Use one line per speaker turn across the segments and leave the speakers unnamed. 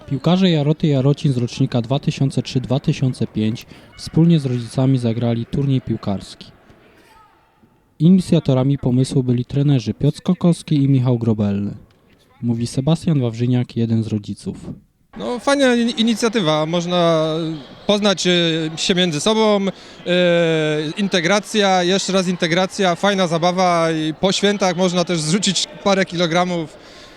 Piłkarze Jaroty Jarocin z rocznika 2003-2005 wspólnie z rodzicami zagrali turniej piłkarski. Inicjatorami pomysłu byli trenerzy Piotr Kokowski i Michał Grobelny. Mówi Sebastian Wawrzyniak, jeden z rodziców.
No, fajna inicjatywa, można poznać się między sobą, integracja, jeszcze raz integracja, fajna zabawa i po świętach można też zrzucić parę kilogramów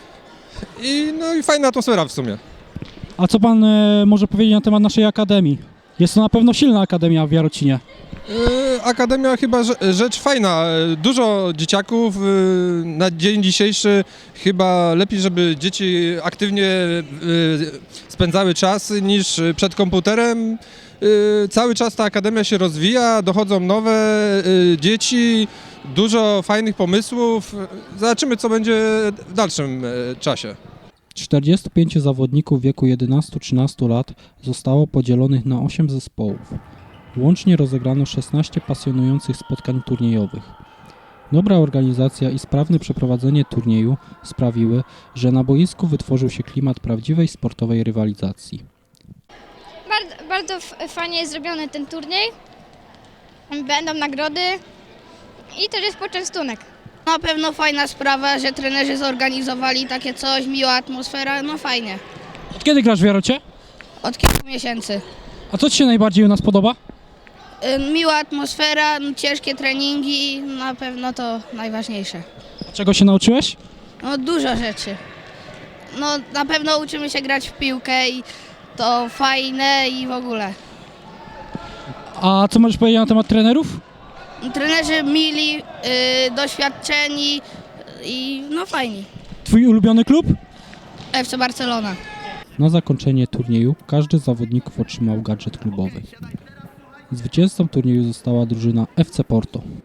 i fajna atmosfera w sumie.
A co pan może powiedzieć na temat naszej akademii? Jest to na pewno silna akademia w Jarocinie.
Akademia chyba rzecz fajna, dużo dzieciaków, na dzień dzisiejszy chyba lepiej, żeby dzieci aktywnie spędzały czas niż przed komputerem. Cały czas ta akademia się rozwija, dochodzą nowe dzieci, dużo fajnych pomysłów, zobaczymy co będzie w dalszym czasie.
45 zawodników w wieku 11-13 lat zostało podzielonych na 8 zespołów. Łącznie rozegrano 16 pasjonujących spotkań turniejowych. Dobra organizacja i sprawne przeprowadzenie turnieju sprawiły, że na boisku wytworzył się klimat prawdziwej sportowej rywalizacji.
Bardzo fajnie jest zrobiony ten turniej. Będą nagrody i też jest poczęstunek.
Na pewno fajna sprawa, że trenerzy zorganizowali takie coś, miła atmosfera, no fajnie.
Od kiedy grasz w Jarocie?
Od kilku miesięcy.
A co ci się najbardziej u nas podoba?
Miła atmosfera, ciężkie treningi, na pewno to najważniejsze.
A czego się nauczyłeś?
No dużo rzeczy. No na pewno uczymy się grać w piłkę i to fajne i w ogóle.
A co możesz powiedzieć na temat trenerów?
Trenerzy mili, doświadczeni i no fajni.
Twój ulubiony klub?
FC Barcelona.
Na zakończenie turnieju każdy z zawodników otrzymał gadżet klubowy. Zwycięzcą turnieju została drużyna FC Porto.